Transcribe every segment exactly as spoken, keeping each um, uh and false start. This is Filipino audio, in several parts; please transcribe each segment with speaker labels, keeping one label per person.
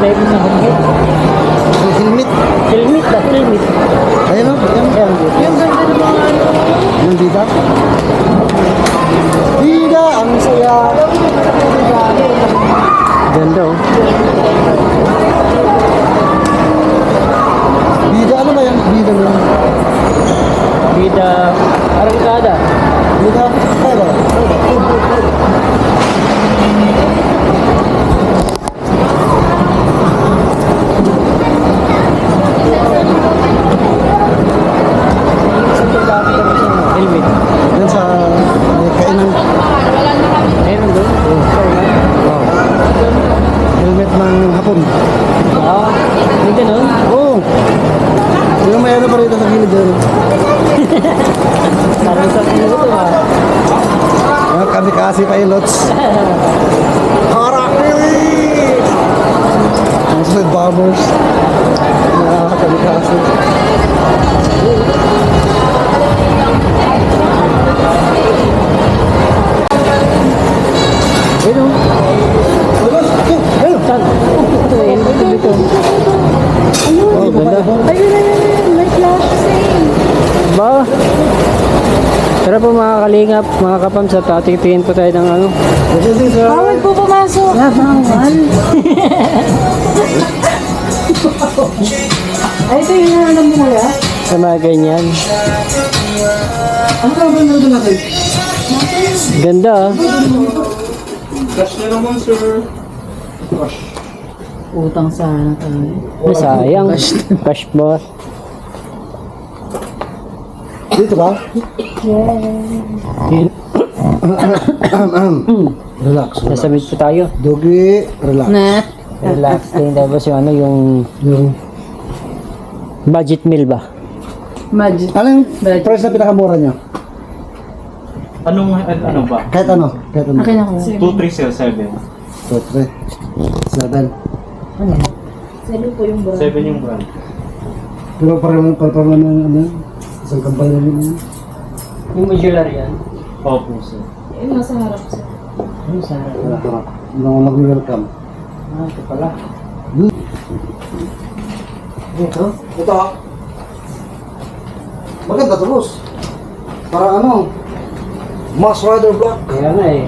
Speaker 1: driver ng helmet.
Speaker 2: Helmet.
Speaker 1: Helmet ba? Helmet.
Speaker 2: Ayan o. Ayan.
Speaker 1: Ayan, yung ganda ng mga ano.
Speaker 2: Yung bida. Bida, ang saya.
Speaker 1: Ganda oh.
Speaker 2: Bida, ano ba yung bida mo?
Speaker 1: Bida, arangkada.
Speaker 2: Bida, kaya ba?
Speaker 1: Helmet.
Speaker 2: Yan sa may kainan.
Speaker 1: Meron doon?
Speaker 2: Wow. Helmet ng hapon.
Speaker 1: Ah, may ganun?
Speaker 2: Oo. Yung may ano pa rito sa gilid doon.
Speaker 1: Parang sa puno to ha.
Speaker 2: Mga kamikasi pilots. Harakiri! Ang sulit bombers. Mga kamikasi.
Speaker 1: Ayun oh.
Speaker 2: Ayun!
Speaker 1: Saan? Ito eh, ito dito.
Speaker 2: Oh, ganda.
Speaker 3: Ayun, ayun, ayun. May flash sale.
Speaker 1: Ba? Tara po mga kalingap, mga kapams at titingin po tayo ng ano.
Speaker 2: Yes, yes, sir.
Speaker 3: Bawal po pumasok.
Speaker 1: Ah, bawal.
Speaker 3: Ay, ito yung alam mo kuya.
Speaker 1: Sa mga ganyan.
Speaker 2: Ano ka ba nandun natin?
Speaker 1: Ganda ah.
Speaker 2: Cash na naman, sir. Cash.
Speaker 3: Utang sana tayo.
Speaker 1: Ay, sayang. Cash boss.
Speaker 2: Dito ba? Relax.
Speaker 1: Nasa mid po tayo.
Speaker 2: Dogi, relax.
Speaker 3: Na.
Speaker 1: Relax din. Tapos yung ano, yung
Speaker 2: Yung,
Speaker 1: budget meal ba?
Speaker 3: Magic.
Speaker 2: ano yung price na pinakamura nyo?
Speaker 4: Anong, an- ano ba?
Speaker 2: Kahit ano? Kahit ano?
Speaker 3: Akin ako.
Speaker 4: two three zero seven.
Speaker 2: two, three, seven.
Speaker 3: Sabi po yung bra.
Speaker 4: seven yung brand.
Speaker 2: Pero parang parang ano ano? Isang kampanya rin yun.
Speaker 1: Yung modular yan.
Speaker 4: Opo, sir.
Speaker 3: Yung nasa harap sir.
Speaker 1: Yung sa harap.
Speaker 2: Wala harap. Hindi ako mag-welcome.
Speaker 1: Ah, ito pala.
Speaker 2: Ito? Ito. Maganda to, boss. Para ano? Mass Rider Block.
Speaker 1: Kaya nga eh.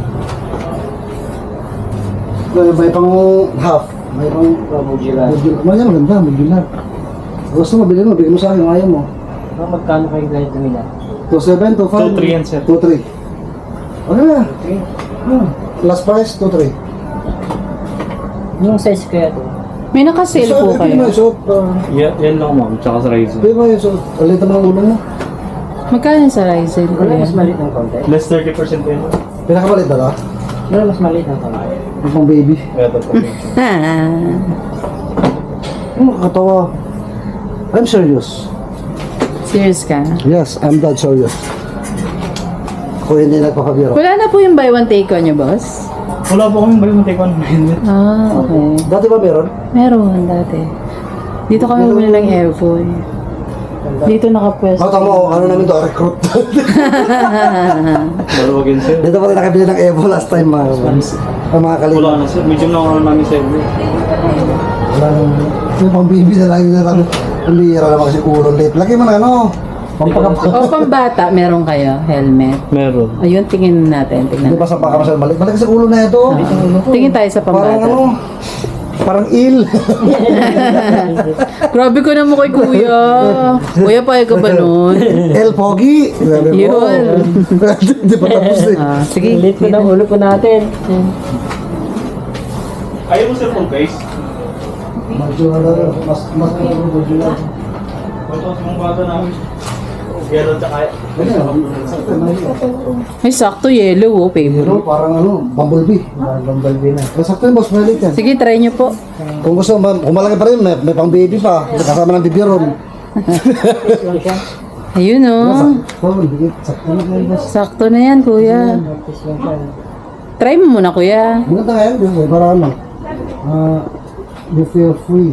Speaker 2: May, may pang half. May pang
Speaker 1: Oh, modular.
Speaker 2: modular. Maganda, maganda, modular. Gusto mo, bilhin mo, bigyan mo sa akin, ayaw mo.
Speaker 1: Ah, magkano kayo ganito nila?
Speaker 2: two seven, two five.
Speaker 4: two three yan, sir.
Speaker 2: two three. Okay na.
Speaker 1: Okay.
Speaker 2: Hmm. Last price, two three.
Speaker 1: Yung size kaya to?
Speaker 3: May naka-sale po
Speaker 2: Pwede mo
Speaker 3: kayo.
Speaker 2: isuot. ah,
Speaker 4: Yan, yan lang, ma'am. Tsaka sa Ryzen.
Speaker 2: Pwede mo isuot. Alitan mo ng ulo mo.
Speaker 3: Magkano sa Ryzen
Speaker 1: Wala
Speaker 3: kuya?
Speaker 1: mas maliit ng konti?
Speaker 4: Less thirty percent po yun.
Speaker 2: Pinakamalit na ka?
Speaker 1: Wala mas maliit ng konti?
Speaker 2: Yung pang baby.
Speaker 4: Kaya ito po.
Speaker 3: Ah.
Speaker 2: Hmm, katawa. I'm serious.
Speaker 3: Serious ka?
Speaker 2: Yes, I'm that serious. Ako hindi nagpapabiro.
Speaker 3: Wala na po yung buy one take one niyo, boss?
Speaker 4: Wala po kami balik take one minute.
Speaker 3: Ah, okay.
Speaker 2: Dati ba meron?
Speaker 3: Meron dati. Dito kami bumili ng airphone. Dito nakapwesto.
Speaker 2: Mata mo, ano namin to, recruit.
Speaker 4: Malawagin, sir.
Speaker 2: Dito pala nakabili ng Evo last time, mga kapans. Ang mga kalina.
Speaker 4: Wala na, sir. Medium lang ano namin, sir.
Speaker 2: Wala nang... Yung pang baby na lang na lang. Ang lira naman kasi ulo late. Lagi mo na ano. Pampagapag.
Speaker 3: O pambata, meron kayo helmet.
Speaker 4: Meron.
Speaker 3: Ayun, tingin natin.
Speaker 2: Hindi
Speaker 3: Tingnan.
Speaker 2: pa sa pakamasal balik. Balik sa ulo na ito.
Speaker 3: Tingin tayo sa
Speaker 2: Parang
Speaker 3: pambata.
Speaker 2: ano. Parang il.
Speaker 3: Grabe ko naman kay kuya. Kuya, payag ka ba nun?
Speaker 2: El Pogi. Sabi mo.
Speaker 3: Yun.
Speaker 2: Hindi pa tapos eh.
Speaker 3: Ah, sige.
Speaker 1: Liit ko ng ulo po natin.
Speaker 4: Ayaw mo, sir, full face?
Speaker 2: Medyo ano, mas mas medyo lang.
Speaker 4: Ito, yung bata namin. Yellow tsaka...
Speaker 3: Ay, sakto yellow, oh,
Speaker 2: Pero
Speaker 3: favorite.
Speaker 2: parang ano, bumblebee. Bumblebee na. Masakto yung boss, malit yan.
Speaker 3: Sige, try nyo po.
Speaker 2: Kung gusto, ma- kung malaki pa rin, may, may pang baby pa. Kasama ng bibiron.
Speaker 3: Ayun, oh.
Speaker 2: Sakto, dikit. Sakto na kayo, boss.
Speaker 3: Sakto na yan, kuya. Try mo muna, kuya.
Speaker 2: Maganda nga yan, boss. eh, para ano. Ah, you feel free.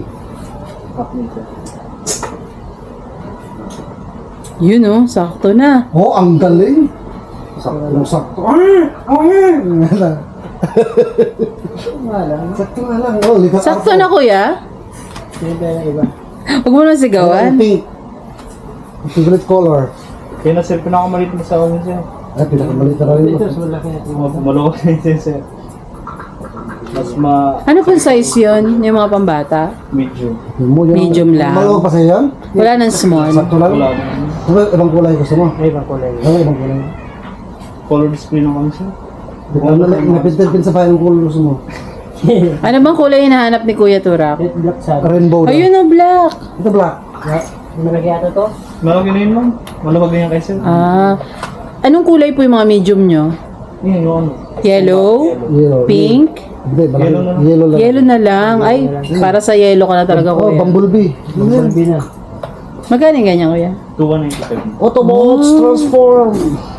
Speaker 3: Yun, oh. Sakto na.
Speaker 2: Oh, ang galing. Sakto, sakto. Ah! Ah! Sakto nga lang. Oh, likas
Speaker 3: Sakto na kuya. Huwag mo na sigawan.
Speaker 2: Pink. Favorite color.
Speaker 4: Kaya na sir, pinakamalit mo sa amin sir.
Speaker 2: Ay, pinakamalit na rin.
Speaker 4: Malawak na yun sir. Mas ma...
Speaker 3: Ano pong size yun? Yung mga pambata?
Speaker 4: medium.
Speaker 3: Medium lang.
Speaker 2: Malawa pa sa'yo yan?
Speaker 3: Wala nang small.
Speaker 2: Sakto lang?
Speaker 4: Wala.
Speaker 2: Ano, ibang kulay gusto mo?
Speaker 4: Ay, ibang kulay.
Speaker 2: Ano, ibang kulay?
Speaker 4: Color display na kami sir.
Speaker 2: Ano, napintin-pin sa bahay ng kulay gusto mo?
Speaker 3: Ano bang kulay hinahanap ni Kuya Turak?
Speaker 2: Rainbow na.
Speaker 3: Ayun na black.
Speaker 2: Ito black.
Speaker 4: Malawag na yun ma'am. Malawag na yan kay sir.
Speaker 3: Ah. Anong kulay po yung mga medium nyo?
Speaker 4: Yun, yung ano.
Speaker 3: Yellow?
Speaker 2: Yellow.
Speaker 3: Pink?
Speaker 2: Hindi, malaki.
Speaker 4: Yellow na lang.
Speaker 2: Yellow lang.
Speaker 3: Yellow na lang. Ay, para sa yellow ka na talaga
Speaker 2: Oh,
Speaker 3: kuya.
Speaker 2: bumblebee.
Speaker 1: Bumblebee na.
Speaker 3: Magkano yung ganyan kuya?
Speaker 4: two ninety-five.
Speaker 2: Autobots transform.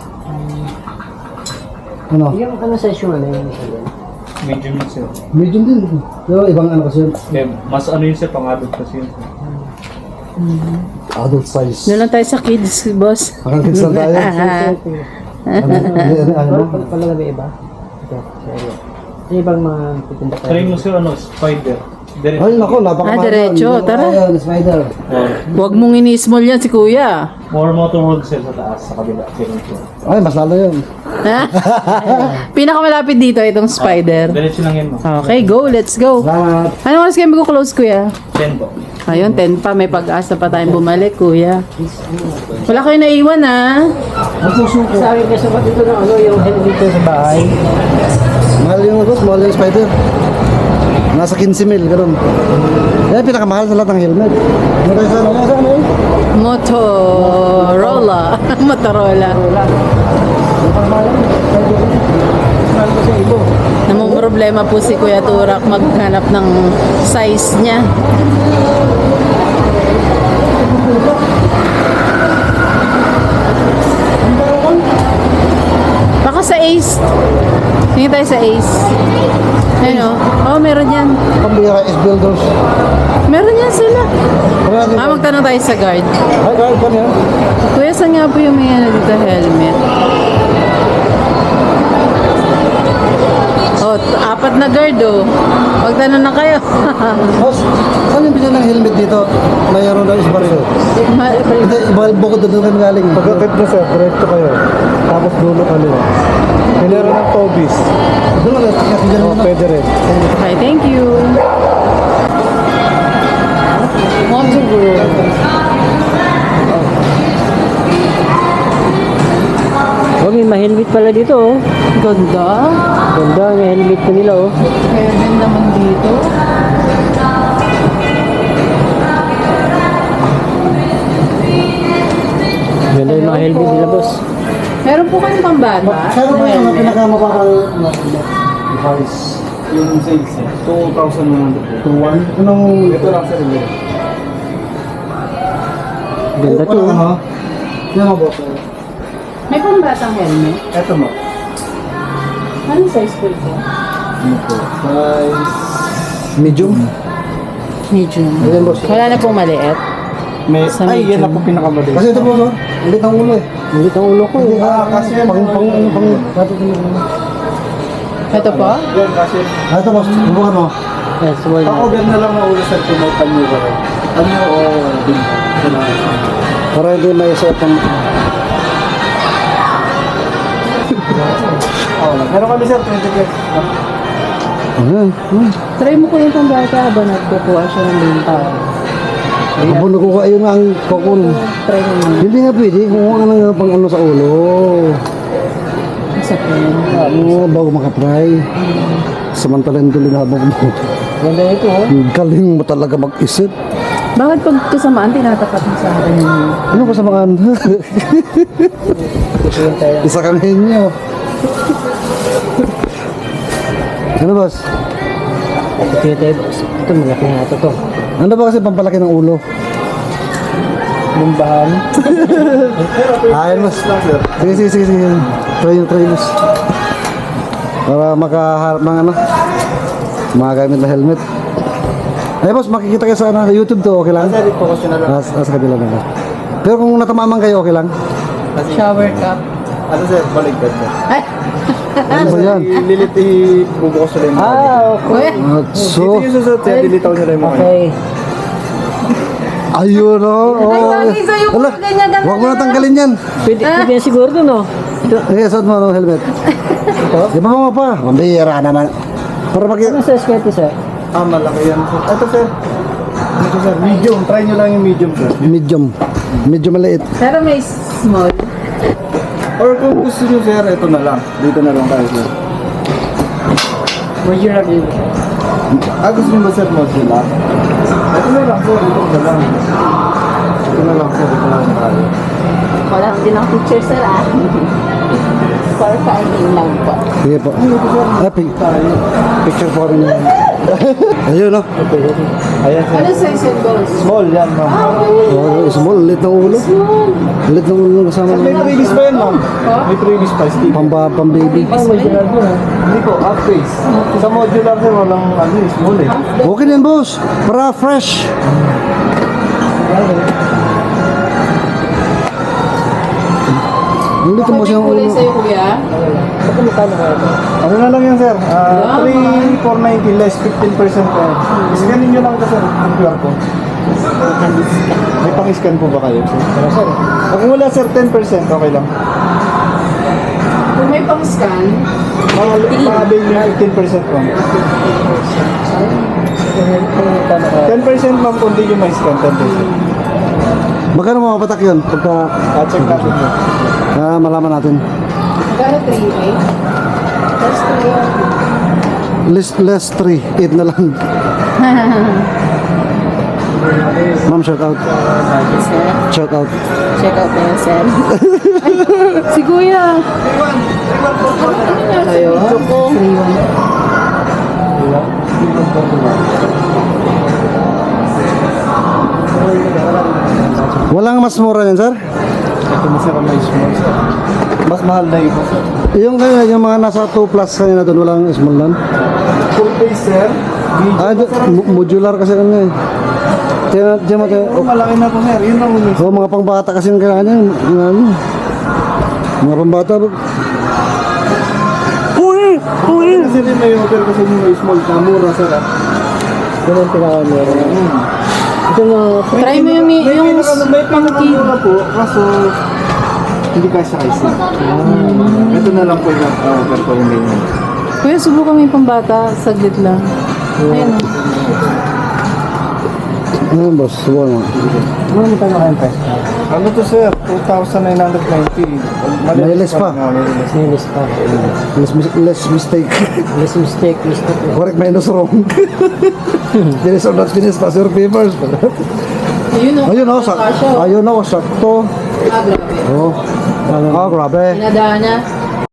Speaker 2: Ano?
Speaker 1: Yung ano size yung ano yung
Speaker 4: Medium yun sir.
Speaker 2: Medium din. Yo, ibang ano kasi yun.
Speaker 4: Kaya mas ano yun sir, pang-adult kasi yun.
Speaker 2: Adult size.
Speaker 3: Doon lang tayo sa kids, boss.
Speaker 2: Akang kids lang tayo. Ano? Ano? Ano? Ano?
Speaker 1: Pala may iba? Ito, sorry. Yung ibang mga titinda tayo.
Speaker 4: Try mo sir, ano, spider. Direct.
Speaker 2: Ay, nako, napakamahal.
Speaker 3: Ah, diretso.
Speaker 2: Hindi ko
Speaker 3: Tara.
Speaker 2: kaya, spider.
Speaker 3: Huwag mong ini-small yan si kuya.
Speaker 4: More motor world sir sa taas, sa kabila. Second floor.
Speaker 2: Ay, mas lalo yun.
Speaker 3: Pinakamalapit dito itong spider.
Speaker 4: Diretso lang yan ma'am.
Speaker 3: Okay, go. Let's go.
Speaker 2: Salamat.
Speaker 3: Anong oras kayo mag-close, kuya?
Speaker 4: ten po.
Speaker 3: Ayun, ten pa. May pag-asa pa tayong bumalik, kuya. Wala kayo naiwan, ha?
Speaker 2: Ang puso ko.
Speaker 1: Sa akin kasi ba dito na ano yung helmet ko sa bahay?
Speaker 2: Mahal yung boss, mahal yung spider. Nasa fifteen mil, ganun. Yan, pinakamahal sa lahat ng helmet. Ano tayo sa ano? Sa ano eh?
Speaker 3: Motorola. Motorola. Namang problema po si Kuya Turak maghanap ng size niya. Baka sa Ace. Tingin tayo sa Ace. Ayun o. Oh, meron yan.
Speaker 2: Pambira is builders.
Speaker 3: Meron yan sila.
Speaker 2: Ano natin?
Speaker 3: Ah, magtanong tayo sa guard.
Speaker 2: Ay, guard, ano yan?
Speaker 3: Kuya, saan nga po yung may ano dito helmet? Oh, t- apat na guard oh. Magtanong na kayo.
Speaker 2: Boss, saan yung bilhin ng helmet dito? Mayroon daw is baril.
Speaker 3: Ma-
Speaker 2: Hindi, iba bukod doon kami galing. Pagkakit na sir, diretso kayo. Tapos dulo kaliwa. Meron ng Tobis. Doon na, kasi dyan na. Pwede rin.
Speaker 3: Okay, thank you. Moto Group.
Speaker 1: Oh, may ma-helmet pala dito oh.
Speaker 3: Ganda.
Speaker 1: Ganda, may helmet pa nila oh.
Speaker 3: Kaya din naman dito.
Speaker 1: Ganda yung mga helmet nila boss.
Speaker 3: Meron po kayong pambata?
Speaker 2: Kaya ba yung
Speaker 3: Helmet.
Speaker 2: pinakamabakal na device?
Speaker 4: Yung sales sir, two thousand one hundred.
Speaker 2: two one? Anong...
Speaker 4: Ito lang sir, yun.
Speaker 1: Ganda to
Speaker 2: Ano?
Speaker 1: oh.
Speaker 2: Yan ang boss.
Speaker 3: May pambatang helmet?
Speaker 4: Ito mo.
Speaker 3: Anong size po ito?
Speaker 4: Ano po? Size...
Speaker 2: Medium?
Speaker 3: Medium.
Speaker 2: Ayan boss.
Speaker 3: Wala na pong maliit.
Speaker 4: May...
Speaker 3: Sa
Speaker 4: Ay, yan
Speaker 3: medium.
Speaker 4: na po pinakamadali.
Speaker 2: Kasi ito po, no? Ulit ang ulo eh.
Speaker 1: Hindi ang ulo ko
Speaker 2: Hindi,
Speaker 1: eh.
Speaker 2: ah, kasi pang... pang... pang... pang...
Speaker 3: Ito po?
Speaker 4: Yan kasi...
Speaker 2: Ah, ito boss. Bubukan mo.
Speaker 1: Yes, well,
Speaker 4: Ako na lang na ulo sa tumaw panyo ba rin? Panyo o bin? Ito lang.
Speaker 2: Para hindi may set ang...
Speaker 4: Oo lang. Meron kami sir, twenty pesos.
Speaker 2: Ayan. Hmm.
Speaker 3: Try mo ko yung pambata habang nagkukuha siya ng binta.
Speaker 2: Kapag nakukuha yun ang kokon.
Speaker 3: Try mo yun.
Speaker 2: Hindi nga pwede. Kumuha ka ng pang ano sa ulo.
Speaker 3: Isa po yun.
Speaker 2: Oo, bago makapry. Samantalang tuloy na habang mo.
Speaker 1: ganda ito oh.
Speaker 2: Ang galing mo talaga mag-isip.
Speaker 3: Bakit pag kasamaan, tinatapat mo sa akin yun?
Speaker 2: Ano ko sa mga Isa kami inyo. Ano boss?
Speaker 1: Ito yung tayo boss. Ito malaki nga ito to.
Speaker 2: Ano ba kasi pampalaki ng ulo?
Speaker 1: Bumbahan.
Speaker 2: Ayun boss. Sige, sige, sige, sige. Try nyo, try boss. Para makaharap ng ano, makagamit na helmet. Ay boss, makikita kayo sa ano, YouTube to, okay lang?
Speaker 4: Sir, ito kasi na lang.
Speaker 2: Ah, sa sa kabila na. Pero kung natamaman kayo, okay lang?
Speaker 3: Shower cup.
Speaker 4: Ano sir, baligtad mo.
Speaker 3: Ay!
Speaker 2: Ano ba yan?
Speaker 4: Lilit i-bubukas nila yung mga
Speaker 1: Ah, okay.
Speaker 2: At
Speaker 4: dito
Speaker 2: so,
Speaker 4: yung susunod, kaya dilitaw nila yung mga
Speaker 1: Okay.
Speaker 2: ayun o. Oh.
Speaker 3: Ay, bagay sa'yo kung
Speaker 2: Wala,
Speaker 3: ganyan, ganyan.
Speaker 2: huwag mo na tanggalin yan.
Speaker 1: Pwede, pwede yan siguro dun, no? Ito.
Speaker 2: Sige, suot mo ng helmet. Di ba mo pa? Mambira naman. Para mag...
Speaker 1: Ano sa skete, sir?
Speaker 4: Ah, malaki yan. sir. Ito sir. Ito sir, medium. Try nyo lang yung medium sir.
Speaker 2: Medium. Medyo maliit.
Speaker 3: Pero may small.
Speaker 4: Or kung gusto nyo sir, ito na lang. Dito na lang tayo sir.
Speaker 1: Would you rather?
Speaker 4: Ah, gusto nyo ba sir modular? Ito na lang sir, ito na lang. Ito na lang sir, ito na lang tayo.
Speaker 3: Wala din ang picture, sir, ah. For finding lang po.
Speaker 2: Sige po. Ah, pic- picture po kami na. Ayun o.
Speaker 4: Ayan sir.
Speaker 3: Ano size yung goals?
Speaker 4: Small yan ma'am.
Speaker 2: Oh, small. Lit ng ulo. Lit ng ulo kasama
Speaker 4: Sir, may
Speaker 2: ng
Speaker 4: previous pa yan ma'am. May previous pa, Steve.
Speaker 2: pamba, pang baby.
Speaker 4: Hindi po, half face. Sa modular sir, walang ano, eh, small eh.
Speaker 2: Okay na yan, boss. Para fresh. Hindi ko mo
Speaker 3: May
Speaker 2: siyang
Speaker 3: kulay
Speaker 2: ulo.
Speaker 3: sa'yo, kuya?
Speaker 4: Ano na lang yan sir? Ah, three thousand four hundred ninety less fifteen percent pa. Scanin nyo lang ito sir, ang Q R code. May pang-scan po ba kayo sir? sir. Kung wala sir, ten percent okay lang.
Speaker 3: Kung may pang-scan,
Speaker 4: Mga-avail nyo fifteen percent po. ten percent ma'am kung di nyo may scan, ten percent.
Speaker 2: Magkano mga patak yun? Pagka
Speaker 4: Ah, check natin yun.
Speaker 2: ah, malaman natin.
Speaker 3: magkano three eight? That's three.
Speaker 2: Less, less three. eight na lang. Ma'am, shout out.
Speaker 3: Sir,
Speaker 2: Shout out.
Speaker 3: check out na yun, sir. Si kuya. Ayo. three one.
Speaker 2: Walang mas mura yan, sir?
Speaker 4: Ito na sir ang may small sir. Mas mahal na iba sir.
Speaker 2: Yung kaya, yung mga nasa two plus kanina doon, walang small lang.
Speaker 4: Full face sir. Medium
Speaker 2: Ah,
Speaker 4: po,
Speaker 2: d-
Speaker 4: sir.
Speaker 2: mo- modular kasi kanya eh. Tiyan, tiyan mo tayo.
Speaker 4: Oh, malaki na po sir. Yun lang umis.
Speaker 2: Oh, mga pangbata kasi yung kailangan niya. Yung ano. Mga pangbata. Uy! Uy!
Speaker 4: Kasi din may order kasi yung may small na mura sir ah.
Speaker 1: Yun ang pinakamura. Ito na,
Speaker 3: Try mo yung,
Speaker 4: May
Speaker 3: yung
Speaker 4: pinaka- may pinakamura po, kaso hindi ka siya kasi. Ito na lang po yung order ko yung ganyan.
Speaker 3: Kuya, subukan mo yung pambata. Saglit lang. Ayan o.
Speaker 2: Ano boss? Subukan mo.
Speaker 1: ano mo tayo kayong price?
Speaker 4: Ano to sir? two thousand nine hundred ninety.
Speaker 2: May less pa.
Speaker 4: nga, may less.
Speaker 1: Nilis pa.
Speaker 2: Less, mis- less mistake.
Speaker 1: Less mistake, mistake.
Speaker 2: Correct minus wrong. Finish or not finish, pass your papers.
Speaker 3: Ayun o.
Speaker 2: Ayun oh, sak ayun oh, sakto.
Speaker 3: Ah, grabe.
Speaker 2: Oh. Ah, grabe.
Speaker 3: Pinadaan niya.